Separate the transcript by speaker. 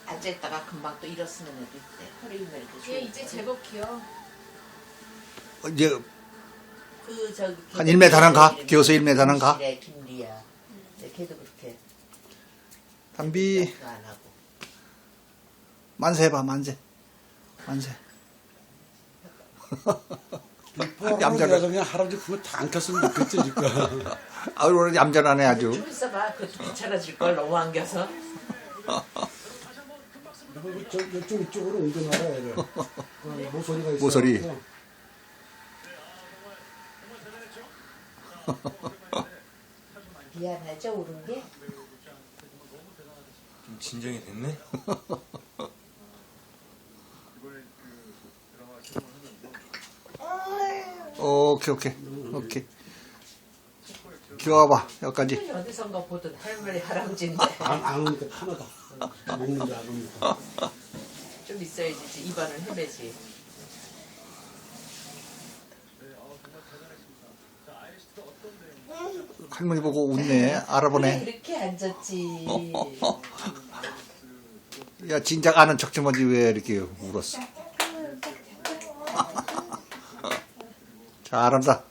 Speaker 1: 앉아있다가 금방 또 일어서는 애도 있대. 허리 힘을 이렇게
Speaker 2: 얘 이제 제법 귀여워.
Speaker 3: 이제
Speaker 1: 그 저기
Speaker 3: 한 1m는 가? 기어서 1m는 가?
Speaker 1: 김리야. 걔도 그렇게
Speaker 3: 담비
Speaker 1: 안 하고.
Speaker 3: 만세 해봐 만세 만세.
Speaker 4: 얌전해서 그냥 할아버지 그거 다 안 켰으면 좋겠지 지금.
Speaker 3: 아유 오늘 얌전하네 아주.
Speaker 1: 좀 있어봐. 그것도 귀찮아질걸 너무 안겨서.
Speaker 4: 이쪽으로 옮겨놔라 얘를. 모서리가 있어.
Speaker 3: 모서리.
Speaker 1: 미안하죠 울은 게?
Speaker 5: 좀 진정이 됐네?
Speaker 3: 오케이 오케이 오케이. 기어와봐 여기까지.
Speaker 1: 어디선가 보던 할머니 할아버지인데
Speaker 4: 안 오니까 편하다. 먹는 줄 알으니까.
Speaker 1: 좀 있어야지 입안을 헤매지.
Speaker 3: 할머니 보고 웃네. 알아보네.
Speaker 1: 이렇게 앉았지.
Speaker 3: 야 진작 아는 척 좀 하지 왜 이렇게 울었어. 잘한다.